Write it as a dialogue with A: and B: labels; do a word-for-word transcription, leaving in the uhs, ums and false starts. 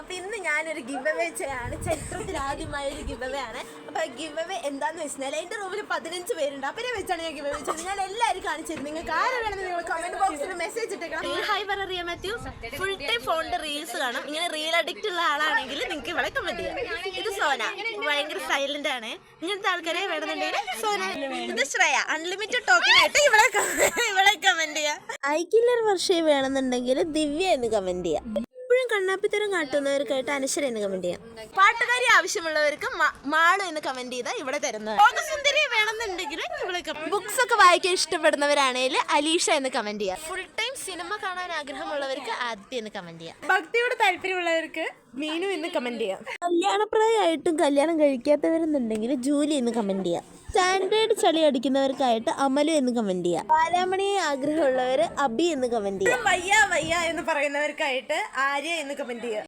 A: അപ്പൊ ഇന്ന് ഞാനൊരു ഗിവ് അവേ ചെയ്യാണ്. ചരിത്രത്തിൽ ആദ്യമായ ഒരു ഗിവ് അവേ ആണ്. അപ്പൊ ഗിവ് അവേ എന്താന്ന് വെച്ചാൽ എന്റെ റൂമിൽ പതിനഞ്ച് പേരുണ്ട്. അവരെ വെച്ചാണ് ഞാൻ ഗിവ് അവേ ചെയ്തത്. ഞാൻ എല്ലാവരും കാണിച്ചിരുന്നു. നിങ്ങൾക്ക് ആരും വേണമെന്ന് നിങ്ങൾ കമന്റ് ബോക്സിൽ മെസ്സേജ് ഇട്ടേക്കണം. ഹായ് പറയാ മാത്യു. ഫുൾ ടൈം ഫോണിന്റെ റീൽസ് കാണും. ഇങ്ങനെ റീൽ അഡിക്റ്റ് ഉള്ള ആളാണെങ്കിൽ നിങ്ങൾക്ക് ഇവിടെ കമന്റ് ചെയ്യാം. ഇത് സോന, ഭയങ്കര സൈലന്റ് ആണ്. ഇങ്ങനത്തെ ആൾക്കാരെ വേണമെന്നുണ്ടെങ്കിൽ സോന. ഇത് ശ്രേയ, അൺലിമിറ്റഡ് ടോക്കൺ ആയിട്ട് ഇവിടെ ഇവിടെ കമന്റ് ചെയ്യാം. ഐ കില്ലർ വർഷേ വേണമെന്നുണ്ടെങ്കിൽ ദിവ്യ എന്ന് കമന്റ് ചെയ്യാം. എപ്പോഴും കണ്ണാപ്പിത്തരം കാട്ടുന്നവർക്കായിട്ട് അനശ്വര എന്ന് കമന്റ് ചെയ്യാം. പാട്ടുകാരി ആവശ്യമുള്ളവർക്ക് മാളു എന്ന് കമന്റ് ചെയ്താൽ ഇവിടെ തരുന്നത്. സുന്ദരി വേണമെന്നുണ്ടെങ്കിൽ ഇവിടെ ബുക്സ് ഒക്കെ വായിക്കാൻ ഇഷ്ടപ്പെടുന്നവരാണെങ്കിൽ അലീഷ എന്ന് കമന്റ് ചെയ്യാം. ഫുൾ ടൈം സിനിമ കാണാൻ ആഗ്രഹമുള്ളവർക്ക് ആദ്യം എന്ന് കമന്റ് ചെയ്യാം. ഭക്തിയോട് താല്പര്യമുള്ളവർക്ക് മീനു എന്ന് കമന്റ് ചെയ്യാം. കല്യാണപ്രായമായിട്ടും കല്യാണം കഴിക്കാത്തവരെന്നുണ്ടെങ്കിൽ ജൂലി എന്ന് കമന്റ് ചെയ്യാം. സ്റ്റാൻഡേർഡ് ചളി അടിക്കുന്നവർക്കായിട്ട് അമലു എന്ന് കമന്റ് ചെയ്യാം. ബാലാമണിയെ ആഗ്രഹമുള്ളവർ അബി എന്ന് കമന്റ് ചെയ്യാം. വയ്യ വയ്യ എന്ന് പറയുന്നവർക്കായിട്ട് ആര്യ എന്ന് കമന്റ് ചെയ്യാം.